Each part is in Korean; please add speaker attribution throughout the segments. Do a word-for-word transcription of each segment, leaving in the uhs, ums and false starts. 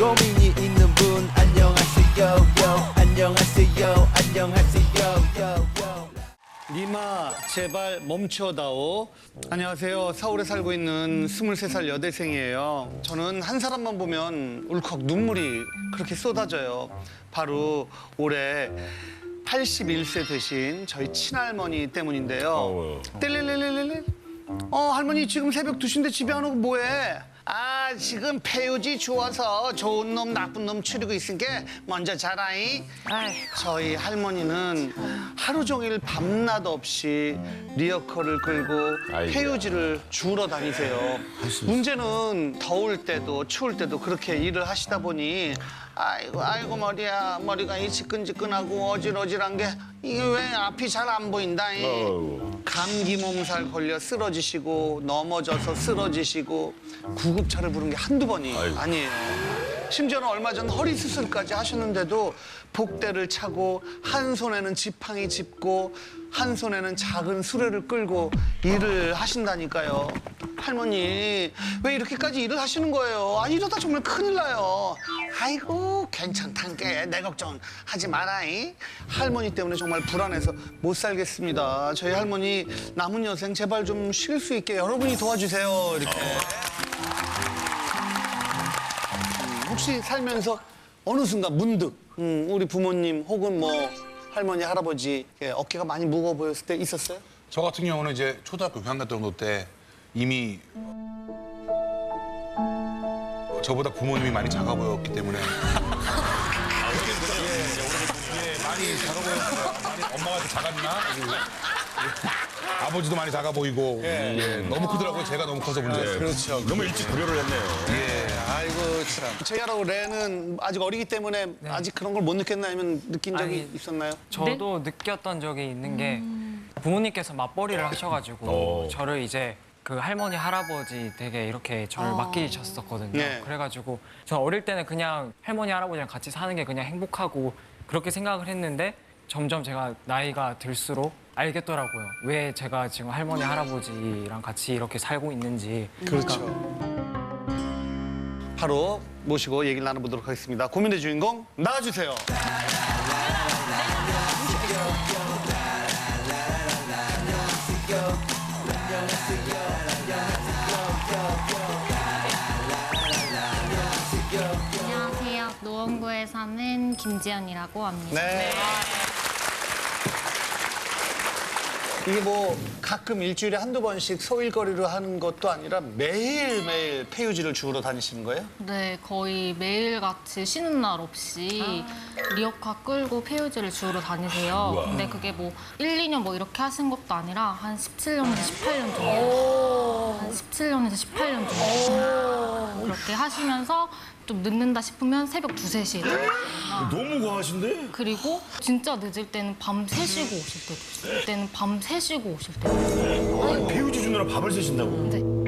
Speaker 1: 고민이 있는 분 안녕하세요 요 안녕하세요 안녕하세요 요 요.
Speaker 2: 니마 제발 멈춰다오. 안녕하세요. 서울에 살고 있는 스물세 살 여대생이에요. 저는 한 사람만 보면 울컥 눈물이 그렇게 쏟아져요. 바로 올해 팔십일 세 되신 저희 친할머니 때문인데요. 뜰릴릴릴릴. 어 할머니 지금 새벽 두 시인데 집에 안 오고 뭐해? 아 지금 폐유지 주워서 좋은 놈 나쁜 놈 추리고 있으니까 먼저 자라이. 저희 할머니는 하루 종일 밤낮 없이 리어커를 끌고
Speaker 3: 아이고야.
Speaker 2: 폐유지를 주우러 다니세요. 문제는 더울 때도 추울 때도 그렇게 일을 하시다 보니 아이고 아이고 머리야 머리가 이 지끈지끈하고 어질어질한 게 이게 왜 앞이 잘 안 보인다. 이.
Speaker 3: 어우.
Speaker 2: 감기 몸살 걸려 쓰러지시고 넘어져서 쓰러지시고 구급차를 부른 게 한두 번이
Speaker 3: 아이고.
Speaker 2: 아니에요. 심지어는 얼마 전 허리 수술까지 하셨는데도 복대를 차고 한 손에는 지팡이 짚고 한 손에는 작은 수레를 끌고 일을 하신다니까요. 할머니 왜 이렇게까지 일을 하시는 거예요? 아 이러다 정말 큰일 나요. 아이고 괜찮단 게 내 걱정 하지 마라이. 할머니 때문에 정말 불안해서 못 살겠습니다. 저희 할머니 남은 여생 제발 좀 쉴 수 있게 여러분이 도와주세요. 이렇게. 혹시 살면서 어느 순간 문득 음, 우리 부모님 혹은 뭐 할머니 할아버지 어깨가 많이 무거워 보였을 때 있었어요?
Speaker 4: 저 같은 경우는 이제 초등학교 육 학년 정도 때 이미 저보다 부모님이 많이 작아 보였기 때문에 예, 많이 작아 보였어요. 많이 엄마가 더 작았나? 예. 아버지도 많이 작아 보이고 예, 너무 크더라고요. 제가 너무 커서 문제였어요.
Speaker 2: 그렇죠.
Speaker 3: 너무 일찍 구별을 했네요.
Speaker 4: 예.
Speaker 2: 아이고 참. 저희하고 레는 아직 어리기 때문에 아직 그런 걸 못 느꼈나 아니면 느낀 적이
Speaker 5: 아니,
Speaker 2: 있었나요?
Speaker 5: 저도 느꼈던 적이 있는 게 부모님께서 맞벌이를 하셔가지고
Speaker 3: 오.
Speaker 5: 저를 이제 그 할머니 할아버지 되게 이렇게 저를 맡기셨었거든요.
Speaker 2: 네.
Speaker 5: 그래가지고 저는 어릴 때는 그냥 할머니 할아버지랑 같이 사는 게 그냥 행복하고 그렇게 생각을 했는데 점점 제가 나이가 들수록 알겠더라고요. 왜 제가 지금 할머니 할아버지랑 같이 이렇게 살고 있는지.
Speaker 2: 그렇죠. 바로 모시고 얘기를 나눠보도록 하겠습니다. 고민의 주인공 나와주세요.
Speaker 6: 안녕하세요. 노원구에 사는 김지연이라고 합니다.
Speaker 2: 네. 이게 뭐 가끔 일주일에 한두 번씩 소일거리로 하는 것도 아니라 매일매일 폐유지를 주우러 다니시는 거예요?
Speaker 6: 네, 거의 매일같이 쉬는 날 없이 리어카 끌고 폐유지를 주우러 다니세요. 근데 그게 뭐 일, 이 년 뭐 이렇게 하신 것도 아니라 한 십칠 년에서 십팔 년 정도. 한 십칠 년에서 십팔 년 정도. 그렇게 하시면서 좀 늦는다 싶으면 새벽 두세 시에
Speaker 3: 너무 과하신데?
Speaker 6: 그리고 진짜 늦을 때는 밤 세 시고 오실 때도 있어요. 그때는 밤 세 시고 오실 때도 있어요.
Speaker 3: 배우지 주느라 밥을 쓰신다고.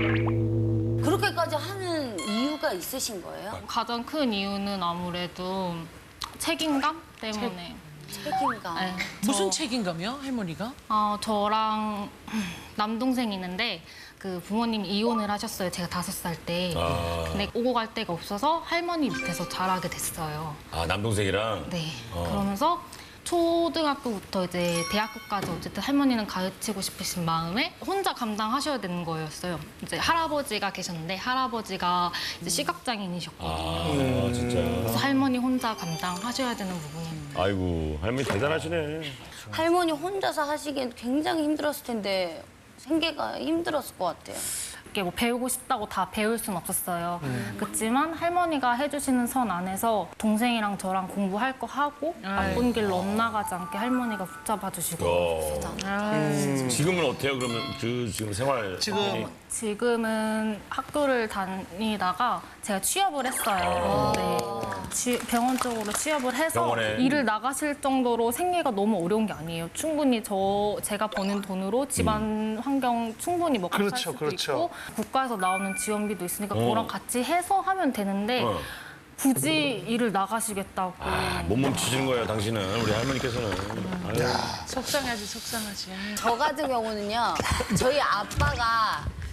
Speaker 7: 그렇게까지 하는 이유가 있으신 거예요?
Speaker 6: 가장 큰 이유는 아무래도 책임감 때문에.
Speaker 7: 책임감.
Speaker 6: 네,
Speaker 8: 무슨
Speaker 6: 저,
Speaker 8: 책임감이요, 할머니가?
Speaker 6: 어, 저랑 남동생이 있는데 그 부모님이 이혼을 하셨어요. 제가 다섯 살 때.
Speaker 3: 아.
Speaker 6: 근데 오고 갈 데가 없어서 할머니 밑에서 자라게 됐어요.
Speaker 3: 아, 남동생이랑?
Speaker 6: 네.
Speaker 3: 어.
Speaker 6: 그러면서 초등학교부터 이제 대학교까지 어쨌든 할머니는 가르치고 싶으신 마음에 혼자 감당하셔야 되는 거였어요. 이제 할아버지가 계셨는데 할아버지가 이제 시각장애인이셨거든요.
Speaker 3: 아, 진짜.
Speaker 6: 그래서 할머니 혼자 감당하셔야 되는 부분입니다.
Speaker 3: 아이고, 할머니 대단하시네.
Speaker 7: 할머니 혼자서 하시기엔 굉장히 힘들었을 텐데 생계가 힘들었을 것 같아요.
Speaker 6: 이렇게 뭐 배우고 싶다고 다 배울 순 없었어요. 그렇지만 할머니가 해주시는 선 안에서 동생이랑 저랑 공부할 거 하고 나쁜 길로 엇나가지 않게 할머니가 붙잡아 주시고
Speaker 3: 어.
Speaker 6: 있었잖아요.
Speaker 3: 지금은 어때요? 그러면 그 지금 생활.
Speaker 2: 지금
Speaker 6: 지금은 학교를 다니다가 제가 취업을 했어요. 네. 지- 병원 쪽으로 취업을 해서
Speaker 3: 병원에.
Speaker 6: 일을 나가실 정도로 생계가 너무 어려운 게 아니에요. 충분히 저 제가 버는 돈으로 집안 환경 충분히 먹고 살
Speaker 2: 그렇죠,
Speaker 6: 수도
Speaker 2: 그렇죠.
Speaker 6: 있고 국가에서 나오는 지원비도 있으니까
Speaker 3: 어.
Speaker 6: 그거랑 같이 해서 하면 되는데
Speaker 3: 어.
Speaker 6: 굳이 일을 나가시겠다고.
Speaker 3: 아, 못 멈추시는 거예요, 당신은. 우리 할머니께서는. 아유.
Speaker 8: 속상하지, 속상하지.
Speaker 7: 저 같은 경우는요, 저희 아빠가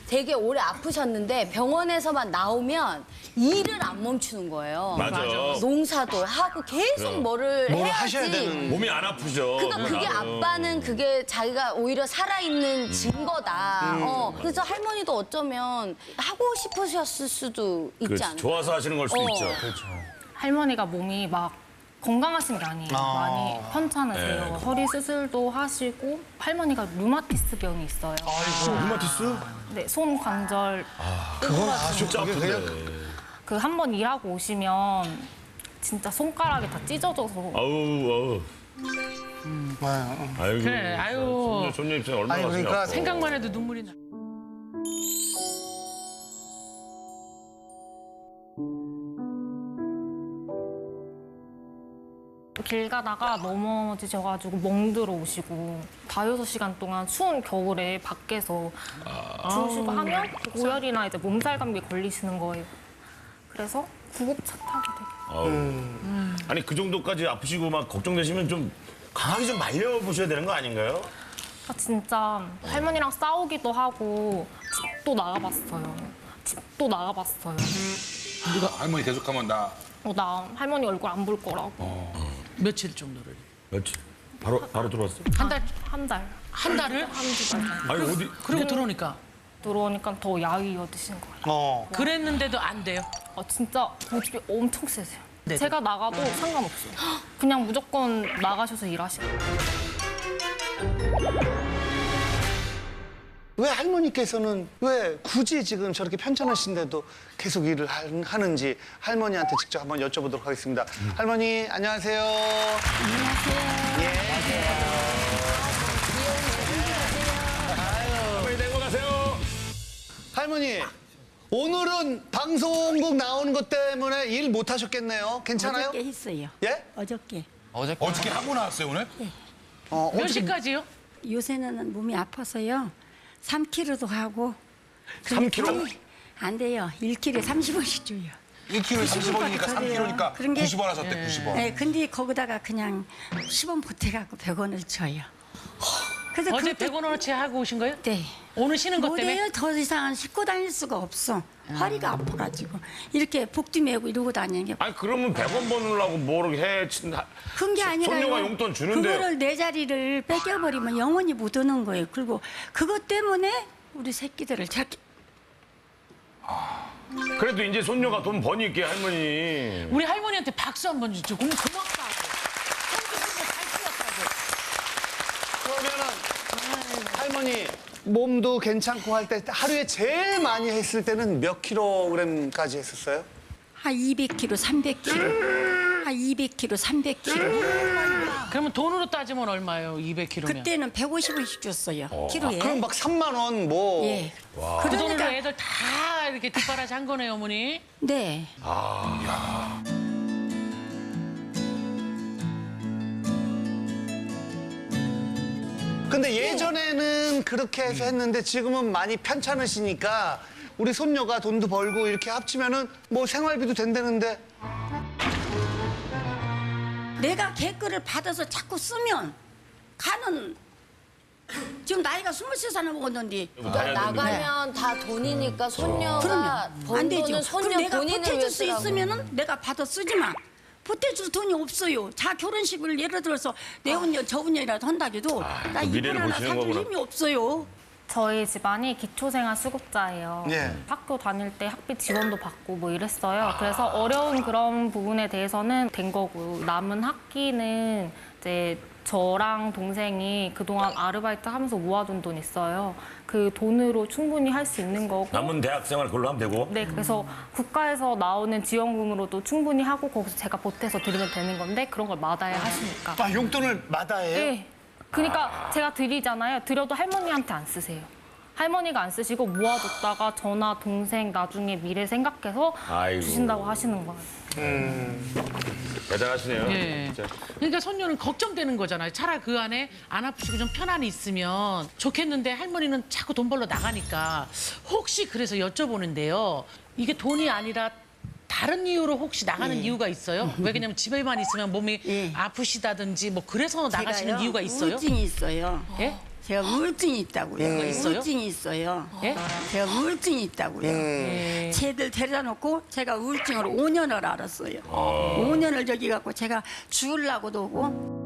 Speaker 7: 되게 오래 아프셨는데 병원에서만 나오면 일을 안 멈추는 거예요.
Speaker 3: 맞아.
Speaker 7: 농사도 하고 계속 뭐를
Speaker 2: 뭘
Speaker 7: 해야지.
Speaker 2: 하셔야 되는.
Speaker 3: 몸이 안 아프죠.
Speaker 7: 그러니까 그게
Speaker 3: 나는.
Speaker 7: 아빠는 그게 자기가 오히려 살아있는 증거다. 어. 그래서 할머니도 어쩌면 하고 싶으셨을 수도 있지
Speaker 3: 그렇지.
Speaker 7: 않아요?
Speaker 3: 좋아서 하시는 걸 수도
Speaker 7: 어.
Speaker 3: 있죠.
Speaker 5: 할머니가 몸이 막 건강하신 게 아니에요. 많이 편찮으세요.
Speaker 3: 네.
Speaker 5: 허리 수술도 하시고 할머니가 루마티스 병이 있어요.
Speaker 3: 루마티스?
Speaker 5: 네, 손 관절
Speaker 2: 그건 아주
Speaker 3: 진짜
Speaker 2: 그게 그냥
Speaker 3: 아픈데.
Speaker 5: 그 한 번 일하고 오시면 진짜 손가락이 다 찢어져서
Speaker 3: 아우 아우.
Speaker 2: 아,
Speaker 3: 아이고.
Speaker 8: 그래, 아유.
Speaker 3: 손녀, 손녀 입장에 얼마나
Speaker 2: 아니,
Speaker 3: 가슴이
Speaker 2: 그러니까
Speaker 3: 아파.
Speaker 8: 생각만 해도 눈물이 나.
Speaker 5: 길 가다가 넘어지셔가지고 멍들어 오시고 다여섯 시간 동안 추운 겨울에 밖에서 주무시고 하면 고열이나 이제 몸살 감기 걸리시는 거예요. 그래서 구급차 타게 되게.
Speaker 3: 아우. 아니 그 정도까지 아프시고 막 걱정되시면 좀 강하게 좀 말려보셔야 되는 거 아닌가요?
Speaker 5: 아, 진짜 할머니랑 싸우기도 하고 집도 나가봤어요. 집도 나가봤어요.
Speaker 4: 네가 할머니 계속하면 나
Speaker 5: 어, 나 할머니 얼굴 안 볼 거라고.
Speaker 8: 며칠 정도를?
Speaker 3: 며칠? 바로 바로 들어왔어?
Speaker 8: 한 달?
Speaker 5: 한 달.
Speaker 8: 한 달을?
Speaker 5: 한두 달.
Speaker 3: 아니 어디?
Speaker 8: 그리고 들어오니까.
Speaker 5: 들어오니까 더 야위어 드신 거예요.
Speaker 2: 어.
Speaker 8: 그랬는데도 안 돼요.
Speaker 5: 아, 진짜 고집이 엄청 세세요.
Speaker 8: 네.
Speaker 5: 제가 나가도 상관없어요. 그냥 무조건 나가셔서 일하시고.
Speaker 2: 왜 할머니께서는 왜 굳이 지금 저렇게 편찮으신데도 계속 일을 하- 하는지 할머니한테 직접 한번 여쭤보도록 하겠습니다. 할머니 안녕하세요.
Speaker 3: 할머니 된 거 가세요.
Speaker 2: 할머니 오늘은 방송국 나오는 것 때문에 일 못 하셨겠네요. 괜찮아요?
Speaker 9: 어저께 했어요.
Speaker 2: 예?
Speaker 9: 어저께.
Speaker 4: 어저께 하고 나왔어요 오늘?
Speaker 2: 어,
Speaker 8: 몇
Speaker 2: 어떻게-
Speaker 8: 시까지요?
Speaker 9: 요새는 몸이 아파서요. 삼 킬로그램도 하고.
Speaker 2: 삼 킬로그램?
Speaker 9: 안 돼요. 일 킬로그램에 삼십 원씩 줘요.
Speaker 4: 일 킬로그램에 삼십 원이니까
Speaker 9: 더
Speaker 4: 삼
Speaker 9: 돼요.
Speaker 4: 킬로그램이니까
Speaker 9: 그런 게-
Speaker 4: 구십 원 하셨대 구십 원.
Speaker 9: 네, 근데 거기다가 그냥 십 원 보태갖고 백 원을 줘요. 그래서
Speaker 8: 어제
Speaker 9: 그것도-
Speaker 8: 백 원어치 하고 오신 거예요?
Speaker 9: 네.
Speaker 8: 오늘 쉬는 것 때문에?
Speaker 9: 못해요. 더 이상은 싣고 다닐 수가 없어. 허리가 아파가지고. 이렇게 복뒤 메고 이러고 다니는 게.
Speaker 3: 아니 그러면 백 원 버느라고 뭐를 해? 친-
Speaker 9: 그런 게 아니라
Speaker 3: 손녀가 용돈 주는데.
Speaker 9: 그거를 내 자리를 뺏겨버리면 영원히 못 오는 거예요. 그리고 그것 때문에 우리 새끼들을 저렇게
Speaker 3: 그래도 이제 손녀가 돈 버니까 할머니.
Speaker 8: 우리 할머니한테 박수 한번 주죠. 그럼 고맙다고.
Speaker 2: 그러면은 할머니 몸도 괜찮고 할 때 하루에 제일 많이 했을 때는 몇 킬로그램까지 했었어요?
Speaker 9: 한 이백 킬로그램, 삼백 킬로그램. 한 이백 킬로그램, 삼백 킬로그램.
Speaker 8: 그러면 돈으로 따지면 얼마예요? 이백 킬로그램면?
Speaker 9: 그때는 백오십 원씩 줬어요. 키로에.
Speaker 2: 그럼 막 삼만 원 뭐.
Speaker 9: 예.
Speaker 8: 그 돈으로
Speaker 9: 그러니까
Speaker 8: 애들 다 이렇게 뒷바라지 한 거네요, 어머니.
Speaker 9: 네.
Speaker 2: 근데 예전에는 그렇게 해서 했는데 지금은 많이 편찮으시니까 우리 손녀가 돈도 벌고 이렇게 합치면은 뭐 생활비도 된다는데
Speaker 9: 내가 개그를 받아서 자꾸 쓰면 가는 지금 나이가 스물세 살을 먹었는데
Speaker 7: 나가면 다 돈이니까 손녀가
Speaker 9: 그러면 안
Speaker 7: 번
Speaker 9: 되죠.
Speaker 7: 돈은
Speaker 9: 그럼
Speaker 7: 손녀
Speaker 9: 내가
Speaker 7: 본인을
Speaker 9: 보태줄 수
Speaker 7: 위해서라고.
Speaker 9: 있으면은 내가 받아 쓰지만 보태줄 돈이 없어요. 자 결혼식을 예를 들어서 내 운녀 저 운녀라도 한다고도 나
Speaker 3: 그
Speaker 9: 이불
Speaker 3: 미래를
Speaker 9: 하나
Speaker 3: 보시는
Speaker 9: 사줄
Speaker 3: 거구나.
Speaker 9: 힘이 없어요.
Speaker 5: 저희 집안이 기초생활 수급자예요.
Speaker 2: 예.
Speaker 5: 학교 다닐 때 학비 지원도 받고 뭐 이랬어요. 그래서 어려운 그런 부분에 대해서는 된 거고 남은 학기는 이제 저랑 동생이 그동안 아르바이트 하면서 모아둔 돈 있어요. 그 돈으로 충분히 할 수 있는 거고.
Speaker 3: 남은 대학생활 그걸로 하면 되고.
Speaker 5: 네, 그래서 국가에서 나오는 지원금으로도 충분히 하고 거기서 제가 보태서 드리면 되는 건데 그런 걸 마다해 하시니까.
Speaker 2: 아 용돈을 마다해요?
Speaker 5: 네. 그러니까 제가 드리잖아요. 드려도 할머니한테 안 쓰세요. 할머니가 안 쓰시고 모아뒀다가 저나 동생 나중에 미래 생각해서
Speaker 3: 아이고.
Speaker 5: 주신다고 하시는 거예요.
Speaker 3: 대단하시네요.
Speaker 8: 예.
Speaker 3: 진짜.
Speaker 8: 그러니까 손녀는 걱정되는 거잖아요. 차라리 그 안에 안 아프시고 좀 편안히 있으면 좋겠는데 할머니는 자꾸 돈 벌러 나가니까 혹시 그래서 여쭤보는데요. 이게 돈이 아니라 다른 이유로 혹시 나가는 이유가 있어요? 왜냐면 집에만 있으면 몸이
Speaker 9: 예.
Speaker 8: 아프시다든지 뭐 그래서 나가시는
Speaker 9: 제가요,
Speaker 8: 이유가 있어요?
Speaker 9: 우울증이 있어요.
Speaker 8: 예?
Speaker 9: 제가 우울증이 있다고요.
Speaker 8: 음. 있어요?
Speaker 9: 우울증이 있어요.
Speaker 8: 예?
Speaker 9: 제가 우울증이 있다고요.
Speaker 8: 예.
Speaker 9: 쟤들 데려다 놓고 제가 우울증으로 오 년을 알았어요. 오 년을 저기 갖고 제가 죽으려고도 오고.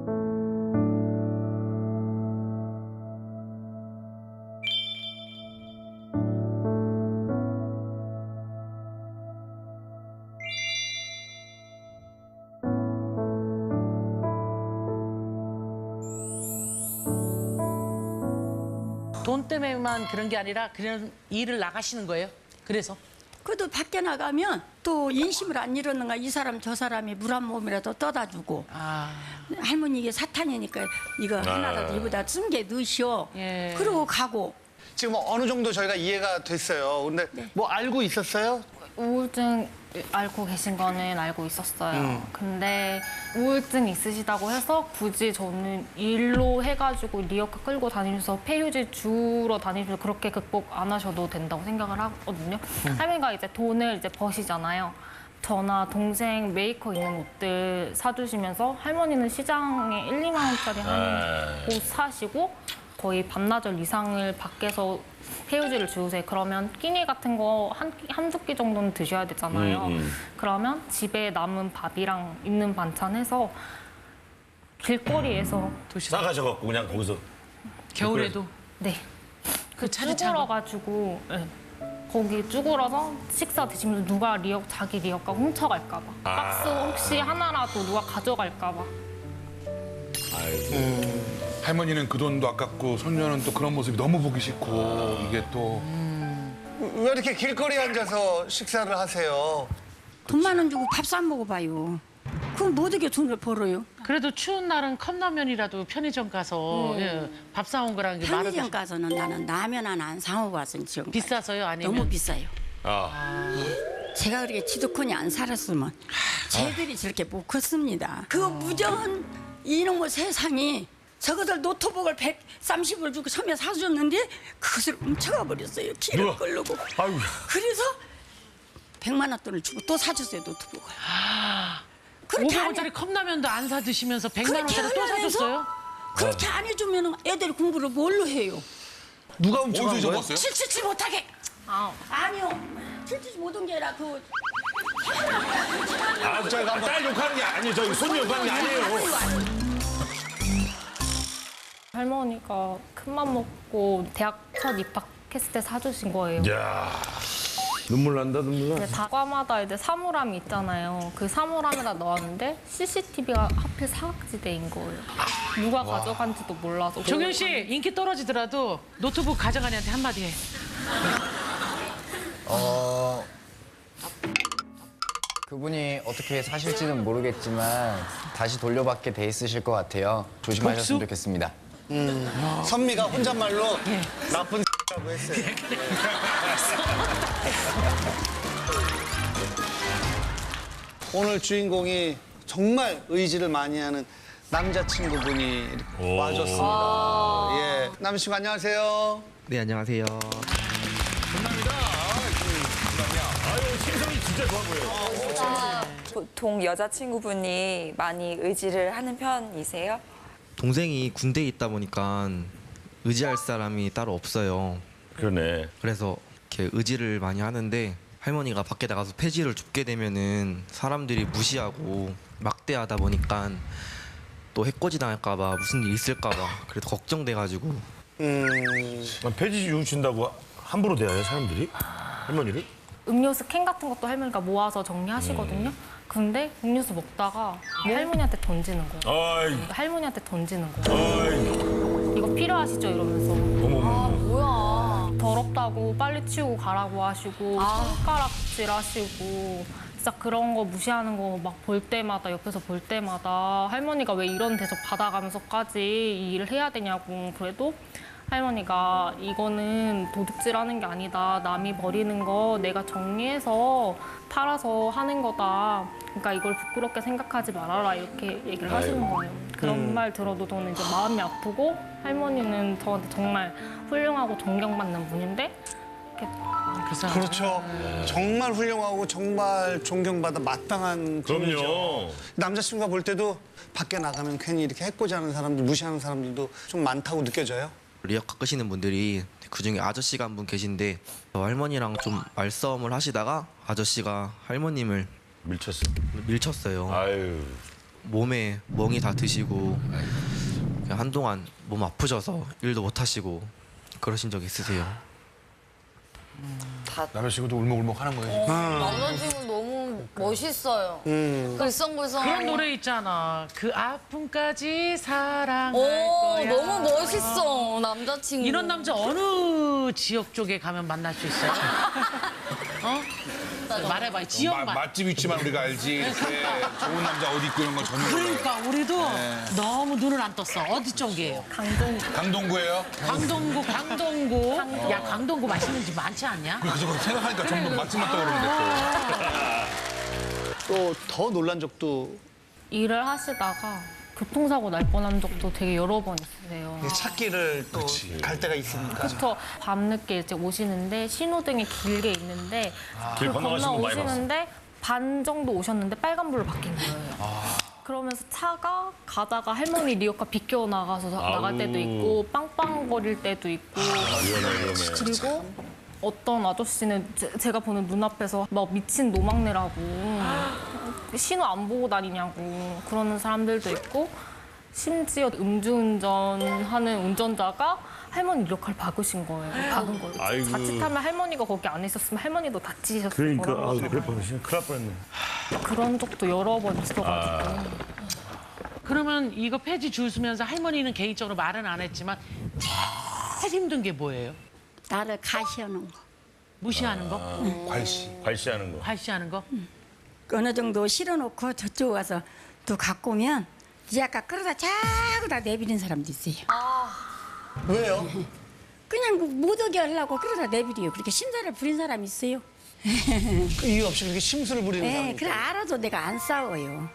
Speaker 8: 돈 때문에만 그런 게 아니라 그런 일을 나가시는 거예요? 그래서?
Speaker 9: 그래도 밖에 나가면 또 인심을 안 잃었는가 이 사람 저 사람이 물 한 몸이라도 떠다 주고
Speaker 8: 아.
Speaker 9: 할머니 이게 사탄이니까 이거 하나라도 이보다 쓴 게 넣으시오.
Speaker 8: 예.
Speaker 9: 그러고 가고.
Speaker 2: 지금 어느 정도 저희가 이해가 됐어요. 근데 뭐 알고 있었어요?
Speaker 6: 우울증 앓고 계신 거는 알고 있었어요. 근데 우울증 있으시다고 해서 굳이 저는 일로 해가지고 리어카 끌고 다니면서 폐휴지 주러 다니면서 그렇게 극복 안 하셔도 된다고 생각을 하거든요. 할머니가 이제 돈을 이제 버시잖아요. 저나 동생 메이커 있는 옷들 사주시면서 할머니는 시장에 일, 이만 원짜리 하는 옷 사시고 거의 반나절 이상을 밖에서 폐유지를 주우세요. 그러면 끼니 같은 거 한, 한두 끼 정도는 드셔야 되잖아요.
Speaker 3: 음, 음.
Speaker 6: 그러면 집에 남은 밥이랑 있는 반찬 해서 길거리에서
Speaker 3: 싸가셔갖고 그냥 거기서.
Speaker 8: 겨울에도?
Speaker 6: 네.
Speaker 8: 그 차를 차고?
Speaker 6: 쭈그러가지고 네. 거기 쭈그러서 식사 드시면서 누가 리어, 자기 리어카 훔쳐갈까 봐.
Speaker 3: 아.
Speaker 6: 박스 혹시 하나라도 누가 가져갈까 봐.
Speaker 4: 할머니는 그 돈도 아깝고 손녀는 또 그런 모습이 너무 보기 싫고 이게 또
Speaker 2: 왜 이렇게 길거리에 앉아서 식사를 하세요?
Speaker 9: 돈만 원 주고 밥 사 먹어봐요. 그럼 뭐 어떻게 돈을 벌어요?
Speaker 8: 그래도 추운 날은 컵라면이라도 편의점 가서 예, 밥 사온 거랑 게 말을
Speaker 9: 편의점 가서는 나는 라면 하나 안 사오고 왔어요. 지금
Speaker 8: 비싸서요? 아니면?
Speaker 9: 너무 비싸요.
Speaker 3: 아.
Speaker 9: 제가 그렇게 지도권이 안 살았으면 쟤들이 저렇게 못 컸습니다. 그 무정한 이놈의 세상이 저것들 노트북을 백삼십 불 주고 처음에 사줬는데 그것을 훔쳐가 버렸어요. 길을
Speaker 3: 누가?
Speaker 9: 끌려고.
Speaker 3: 아유.
Speaker 9: 그래서 백만 원 돈을 주고 또 사줬어요, 노트북을. 그렇게
Speaker 8: 오백
Speaker 9: 안
Speaker 8: 원짜리
Speaker 9: 해-
Speaker 8: 컵라면도 안 사 드시면서 백만
Speaker 9: 그렇게
Speaker 8: 원짜리 또
Speaker 9: 하면서
Speaker 8: 사줬어요?
Speaker 9: 그렇게 안 해주면 애들이 공부를 뭘로 해요?
Speaker 2: 누가 훔쳐간
Speaker 4: 어디서
Speaker 2: 거예요?
Speaker 4: 접었어요?
Speaker 9: 칠칠치 못하게.
Speaker 6: 아,
Speaker 9: 아니요. 칠칠치 못한 게 아니라 그
Speaker 3: 아, 저딸 욕하는 게 아니에요. 저 손녀 욕하는 게 아니에요.
Speaker 6: 할머니가 큰맘 먹고 대학 첫 입학했을 때 사주신 거예요.
Speaker 3: 야 눈물 난다, 눈물 나.
Speaker 6: 이제 다과마다 이제 사물함이 있잖아요. 그 사물함에다 넣었는데 씨씨티비가 하필 사각지대인 거예요. 누가 가져간지도 몰라서.
Speaker 8: 종현 씨 인기 떨어지더라도 노트북 가져간 애한테 한마디 해.
Speaker 10: 어, 그분이 어떻게 사실지는 모르겠지만 다시 돌려받게 돼 있으실 것 같아요. 조심하셨으면
Speaker 8: 복수?
Speaker 10: 좋겠습니다.
Speaker 2: 선미가 혼잣말로 나쁜 라고 했어요. 오늘 주인공이 정말 의지를 많이 하는 남자친구분이 이렇게
Speaker 3: 오.
Speaker 2: 와줬습니다. 예, 남자친구 안녕하세요.
Speaker 11: 네, 안녕하세요.
Speaker 3: 아유, 심성이 진짜 좋아 보여요.
Speaker 12: 보통 여자친구분이 많이 의지를 하는 편이세요?
Speaker 11: 동생이 군대에 있다 보니까 의지할 사람이 따로 없어요.
Speaker 3: 그러네.
Speaker 11: 그래서 이렇게 의지를 많이 하는데 할머니가 밖에 나가서 폐지를 줍게 되면은 사람들이 무시하고 막대하다 보니까 또 해코지 당할까 봐 무슨 일 있을까 봐 그래서 걱정돼가지고
Speaker 3: 아, 폐지 주신다고 함부로 대해요, 사람들이? 할머니를?
Speaker 6: 음료수 캔 같은 것도 할머니가 모아서 정리하시거든요. 근데 음료수 먹다가 할머니한테 던지는 거예요.
Speaker 3: 아이,
Speaker 6: 할머니한테 던지는 거예요.
Speaker 3: 아이.
Speaker 6: 이거 필요하시죠? 이러면서.
Speaker 3: 어머머.
Speaker 7: 뭐야.
Speaker 6: 더럽다고 빨리 치우고 가라고 하시고 손가락질 하시고 진짜 그런 거 무시하는 거 막 볼 때마다 옆에서 볼 때마다 할머니가 왜 이런 데서 받아가면서까지 이 일을 해야 되냐고. 그래도 할머니가 이거는 도둑질하는 게 아니다. 남이 버리는 거 내가 정리해서 팔아서 하는 거다. 그러니까 이걸 부끄럽게 생각하지 말아라. 이렇게 얘기를 하시는 거예요. 그런 말 들어도 저는 이제 마음이 아프고 할머니는 저한테 정말 훌륭하고 존경받는 분인데 이렇게
Speaker 8: 그래서
Speaker 2: 그렇죠. 정말 훌륭하고 정말 존경받아 마땅한 분이죠.
Speaker 3: 그럼요.
Speaker 2: 남자친구가 볼 때도 밖에 나가면 괜히 이렇게 해코지 하는 사람들, 무시하는 사람들도 좀 많다고 느껴져요?
Speaker 11: 리어카 끄시는 분들이 그중에 아저씨가 한 분 계신데 할머니랑 좀 말싸움을 하시다가 아저씨가 할머님을
Speaker 3: 밀쳤어.
Speaker 11: 밀쳤어요.
Speaker 3: 아유.
Speaker 11: 몸에 멍이 다 드시고 그냥 한동안 몸 아프셔서 일도 못 하시고 그러신 적 있으세요?
Speaker 4: 남자친구도 울먹울먹 하는 거예요.
Speaker 7: 남자친구 너무 멋있어요. 글썽글썽.
Speaker 8: 그런 노래 있잖아. 그 아픔까지 사랑할
Speaker 7: 오,
Speaker 8: 거야.
Speaker 7: 너무 멋있어, 남자친구.
Speaker 8: 이런 남자 어느 지역 쪽에 가면 만날 수 있어요? 어? 말해봐,
Speaker 4: 마,
Speaker 8: 지역만.
Speaker 4: 맛집 위치만 우리가 알지. 이렇게 좋은 남자 어디 있고 이런 건 전혀 몰라요.
Speaker 8: 그러니까 우리도 너무 눈을 안 떴어. 어디 쪽이에요?
Speaker 7: 강동.
Speaker 4: 강동구예요?
Speaker 8: 강동구, 강동구. 야, 강동구 맛있는 집 많지 않냐?
Speaker 4: 그래서 그렇게 생각하니까 전부 맛집만 떠오르는데
Speaker 2: 또 더 놀란 적도
Speaker 6: 일을 하시다가 교통사고 날 뻔한 적도 되게 여러 번 있으세요.
Speaker 2: 찾기를 또 갈 때가 있으니까.
Speaker 6: 그쵸. 밤늦게 이제 오시는데 신호등이 길게 있는데
Speaker 3: 길
Speaker 6: 그
Speaker 3: 건너가시는
Speaker 6: 건너
Speaker 3: 거 많이
Speaker 6: 오시는데 반 정도 오셨는데 빨간불로 바뀐 거예요. 그러면서 차가 가다가 할머니 리어카 비껴 나가서 나갈 때도 있고 빵빵거릴 때도 있고
Speaker 3: 위험해, 위험해.
Speaker 6: 그리고 어떤 아저씨는 제, 제가 보는 눈앞에서 막 미친 노망내라고 신호 안 보고 다니냐고 그러는 사람들도 있고 심지어 음주운전하는 운전자가 할머니 리어카를 박으신 거예요. 박은 거예요.
Speaker 3: 아이고.
Speaker 6: 자칫하면 할머니가 거기 안에 있었으면 할머니도 다치셨을
Speaker 3: 그러니까 아,
Speaker 6: 거라고.
Speaker 3: 그럴 뻔했네. 큰일 날 뻔했네.
Speaker 6: 그런 적도 여러 번 있어가지고.
Speaker 3: 아.
Speaker 8: 그러면 이거 폐지 주우면서 할머니는 개인적으로 말은 안 했지만 제일 힘든 게 뭐예요?
Speaker 9: 나를 가시하는 거.
Speaker 8: 무시하는 거?
Speaker 4: 괄시.
Speaker 3: 발시하는 거.
Speaker 8: 발시하는 거?
Speaker 9: 어느 정도 실어놓고 저쪽 와서 또 갖고 오면 이 아까 끌어다 자꾸 다 내비는 사람도 있어요.
Speaker 2: 왜요?
Speaker 9: 그냥 못 오게 하려고 끌어다 내비려요. 그렇게 심사를 부린 사람이 있어요.
Speaker 2: 그 이유 없이 그렇게 심술을 부리는
Speaker 9: 네,
Speaker 2: 사람이
Speaker 9: 그래
Speaker 2: 있어요.
Speaker 9: 알아도 내가 안 싸워요.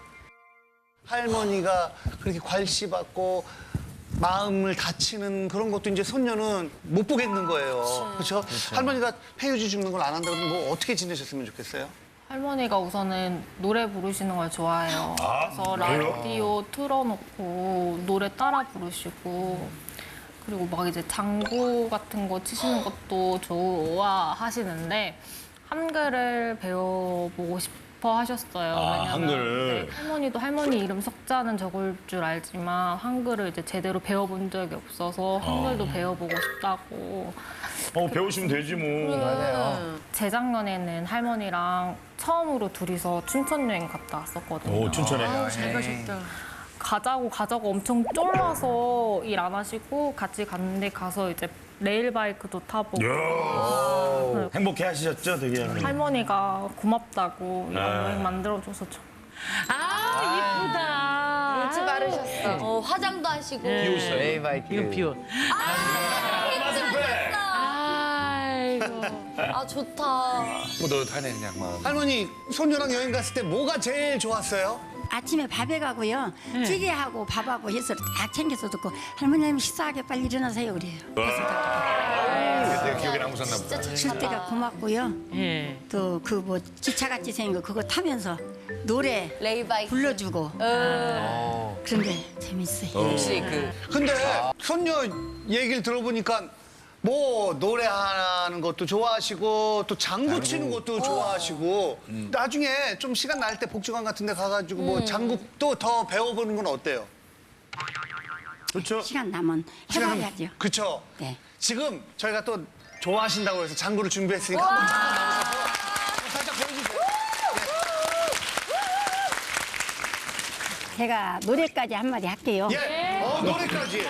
Speaker 2: 할머니가 그렇게 괄시받고 마음을 다치는 그런 것도 이제 손녀는 못 보겠는 거예요. 그렇죠? 할머니가 폐유지 죽는 걸 안 한다 그러면 뭐 어떻게 지내셨으면 좋겠어요?
Speaker 6: 할머니가 우선은 노래 부르시는 걸 좋아해요. 그래서 라디오 틀어놓고 노래 따라 부르시고 그리고 막 이제 장구 같은 거 치시는 것도 좋아하시는데 한글을 배워보고 싶어 하셨어요.
Speaker 3: 아,
Speaker 6: 왜냐면
Speaker 3: 한글.
Speaker 6: 네, 할머니도 할머니 이름 석자는 적을 줄 알지만 한글을 이제 제대로 배워본 적이 없어서 한글도 배워보고 싶다고.
Speaker 3: 어, 배우시면 되지 뭐.
Speaker 6: 재작년에는 할머니랑 처음으로 둘이서 춘천 여행 갔다 왔었거든요.
Speaker 3: 오, 춘천에.
Speaker 8: 잘 가셨다.
Speaker 6: 가자고 가자고 엄청 쫄라서 일 안 하시고 같이 갔는데 가서 이제 레일바이크도 타보고
Speaker 3: 이야. 행복해 하시셨죠, 되게.
Speaker 6: 할머니가 고맙다고 이런
Speaker 3: 아.
Speaker 6: 여행 만들어줘서 좀.
Speaker 8: 아, 이쁘다.
Speaker 7: 물집 바르셨어. 어, 화장도 하시고.
Speaker 10: 레이바이크.
Speaker 8: 이건 비옷. 아이고.
Speaker 7: 아, 좋다.
Speaker 4: 뿌듯하네 그냥 막.
Speaker 2: 할머니 손녀랑 여행 갔을 때 뭐가 제일 좋았어요?
Speaker 9: 아침에 밥에 가고요. 찌개하고 밥하고 해서 다 챙겨서 듣고 할머님 식사하게 빨리 일어나세요 그래요.
Speaker 4: 그때 기억에 남으셨나 보다.
Speaker 9: 줄 때가 고맙고요.
Speaker 8: 예.
Speaker 9: 또 그 뭐 기차같이 생긴 거 그거 타면서 노래
Speaker 7: 레이바이크.
Speaker 9: 불러주고 그런 게 재밌어요.
Speaker 10: 혹시 그
Speaker 2: 근데 손녀 얘기를 들어보니까 뭐 노래하는 것도 좋아하시고 또 장구 치는 것도 좋아하시고 나중에 좀 시간 날 때 복지관 같은 데 가가지고 뭐 장구도 더 배워보는 건 어때요?
Speaker 3: 그렇죠.
Speaker 9: 시간 나면 해봐야죠.
Speaker 2: 그쵸?
Speaker 9: 네.
Speaker 2: 지금 저희가 또 좋아하신다고 해서 장구를 준비했으니까 한번 잠깐 나오셔서 살짝 보여주세요.
Speaker 9: 제가 노래까지 한마디 할게요.
Speaker 2: 예, 어, 노래까지.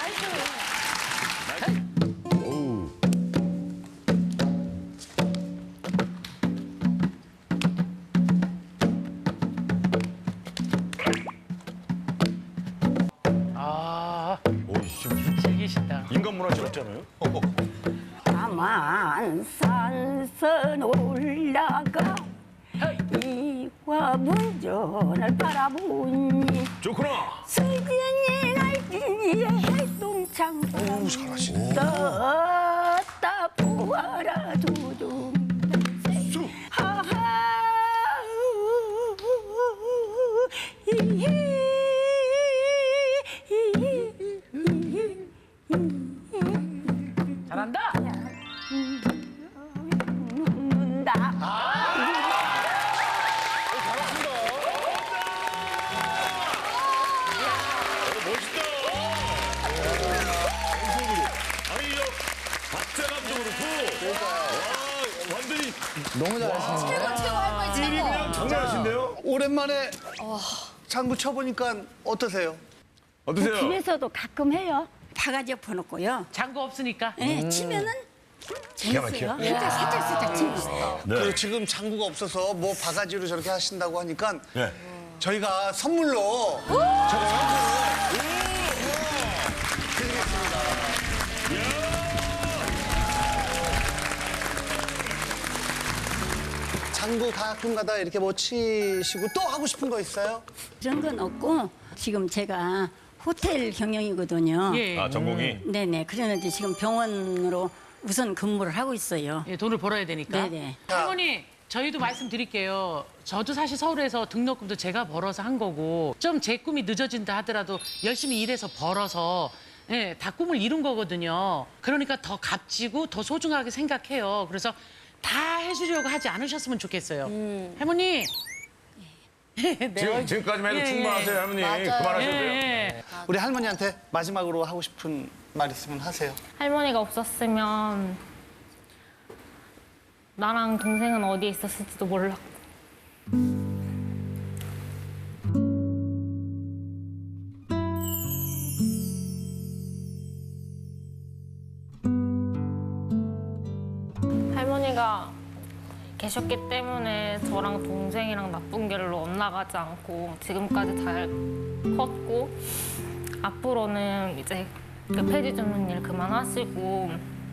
Speaker 8: 아,
Speaker 3: 오, 진짜
Speaker 8: 즐기신다.
Speaker 3: 인간 문화 찍었잖아요.
Speaker 9: 남한산선 올라가 이 화문전을 바라보니
Speaker 3: 좋구나.
Speaker 9: 승진이 갈진이의 해동창고
Speaker 2: 오, 잘하시네.
Speaker 9: 떴다 부어라 두둥 하하
Speaker 10: 너무 잘하시는데요?
Speaker 7: 최고 최고 할머니 최고.
Speaker 3: 장난하신데요?
Speaker 2: 오랜만에 장구 쳐보니까 어떠세요?
Speaker 3: 어떠세요?
Speaker 9: 집에서도 가끔 해요. 바가지 엎어놓고요.
Speaker 8: 장구 없으니까.
Speaker 9: 예, 치면은 재밌어요.
Speaker 3: 막혀.
Speaker 9: 살짝 살짝 살짝 치면.
Speaker 3: 네.
Speaker 2: 그리고 지금 장구가 없어서 뭐 바가지로 저렇게 하신다고 하니까
Speaker 3: 네.
Speaker 2: 저희가 선물로 저거 드리겠습니다. 장구 가끔가다 이렇게 뭐 치시고 또 하고 싶은 거 있어요?
Speaker 9: 그런 건 없고 지금 제가 호텔 경영이거든요.
Speaker 8: 예.
Speaker 3: 아, 전공이?
Speaker 9: 네네. 그러는데 지금 병원으로 우선 근무를 하고 있어요.
Speaker 8: 예, 돈을 벌어야 되니까.
Speaker 9: 네네.
Speaker 8: 할머니, 저희도 말씀드릴게요. 저도 사실 서울에서 등록금도 제가 벌어서 한 거고 좀 제 꿈이 늦어진다 하더라도 열심히 일해서 벌어서 예, 다 꿈을 이룬 거거든요. 그러니까 더 값지고 더 소중하게 생각해요. 그래서 다 해주려고 하지 않으셨으면 좋겠어요.
Speaker 7: 음.
Speaker 8: 할머니. 네,
Speaker 3: 지금, 지금까지만 해도
Speaker 8: 예,
Speaker 3: 충분하세요,
Speaker 8: 예.
Speaker 3: 할머니.
Speaker 7: 맞아요.
Speaker 3: 그만하셔도
Speaker 8: 예,
Speaker 3: 돼요.
Speaker 8: 예.
Speaker 2: 우리 할머니한테 마지막으로 하고 싶은 말 있으면 하세요.
Speaker 6: 할머니가 없었으면 나랑 동생은 어디에 있었을지도 몰라. 할머니가 계셨기 때문에 저랑 동생이랑 나쁜 길로 엇나가지 않고 지금까지 잘 컸고 앞으로는 이제 그 폐지 줍는 일 그만하시고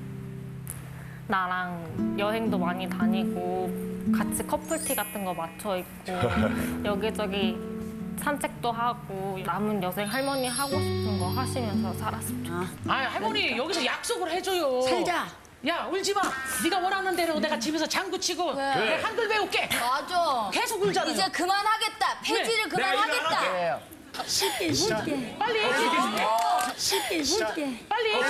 Speaker 6: 나랑 여행도 많이 다니고 같이 커플티 같은 거 맞춰 입고 여기저기 산책도 하고 남은 여생 할머니 하고 싶은 거 하시면서 살았으면 좋겠어요.
Speaker 8: 아, 할머니 여기서 약속을 해줘요.
Speaker 9: 살자.
Speaker 8: 야, 울지 마. 네가 원하는 대로 내가 집에서 장구 치고
Speaker 7: 그래.
Speaker 8: 내가 한글 배울게.
Speaker 7: 맞아.
Speaker 8: 계속 울잖아요.
Speaker 7: 이제 그만하겠다. 폐지를
Speaker 3: 내가 일 안
Speaker 7: 그만하겠다.
Speaker 10: 네.
Speaker 9: 쉽게 쉽게
Speaker 8: 빨리 해.
Speaker 9: 쉽게 쉽게
Speaker 8: 빨리 해.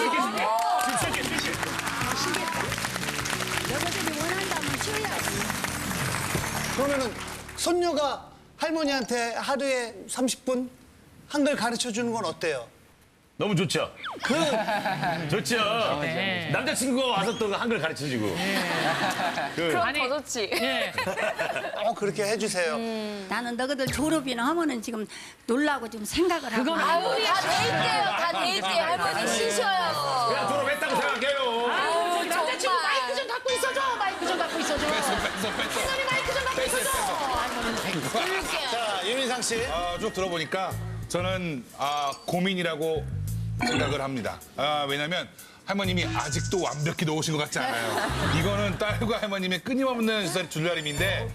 Speaker 9: 여자들이 원한다면 쉬어야지.
Speaker 2: 그러면은 손녀가 할머니한테 하루에 삼십 분 한글 가르쳐 주는 건 어때요?
Speaker 3: 너무 좋죠?
Speaker 2: 그
Speaker 3: 좋죠?
Speaker 8: 네.
Speaker 3: 남자친구가 와서 또 한글 가르쳐주고. 그,
Speaker 12: 그럼
Speaker 8: 아니,
Speaker 12: 더 좋지.
Speaker 8: 예.
Speaker 2: 어, 그렇게 해주세요.
Speaker 9: 나는 너희들 졸업이나 하면은 지금 놀라고 지금 생각을 하고.
Speaker 8: 그건
Speaker 7: 아유, 다 돼 있대요. 다 돼 있대요. 할머니 쉬셔요.
Speaker 3: 그냥 졸업했다고 생각해요.
Speaker 8: 아유, 저기 남자친구
Speaker 7: 정말.
Speaker 8: 마이크 좀 갖고 있어줘. 마이크 좀 갖고 있어줘.
Speaker 4: 뺐어, 뺐어, 뺐어.
Speaker 8: 할머니 마이크 좀 갖고 있어줘. 할머니
Speaker 2: 자, 유민상 씨.
Speaker 4: 아, 쭉 들어보니까 저는 아, 고민이라고 생각을 합니다. 아, 왜냐면 할머님이 아직도 완벽히 놓으신 것 같지 않아요. 이거는 딸과 할머님의 끊임없는 줄다림인데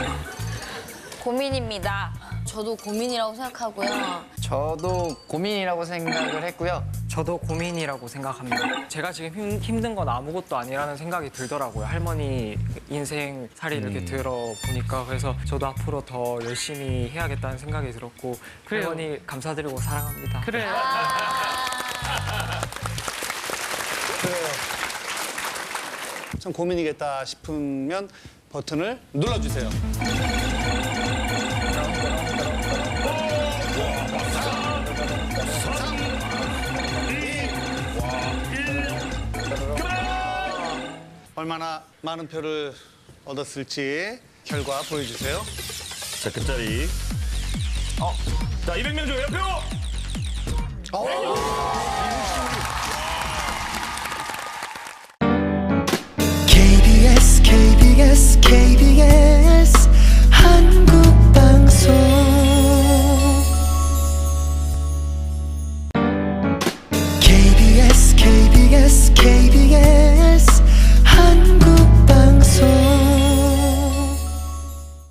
Speaker 12: 고민입니다.
Speaker 7: 저도 고민이라고 생각하고요.
Speaker 10: 저도 고민이라고 생각을 했고요.
Speaker 5: 저도 고민이라고 생각합니다. 제가 지금 힘, 힘든 건 아무것도 아니라는 생각이 들더라고요. 할머니 인생 살이 이렇게 들어보니까. 그래서 저도 앞으로 더 열심히 해야겠다는 생각이 들었고
Speaker 8: 그래요.
Speaker 5: 할머니 감사드리고 사랑합니다.
Speaker 8: 그래.
Speaker 2: 그래요. 참 고민이겠다 싶으면 버튼을 눌러주세요. 얼마나 많은 표를 얻었을지 결과 보여주세요.
Speaker 3: 자, 끝자리. 어, 자, 이백 명 중에 표!
Speaker 1: 케이비에스 케이비에스 케이비에스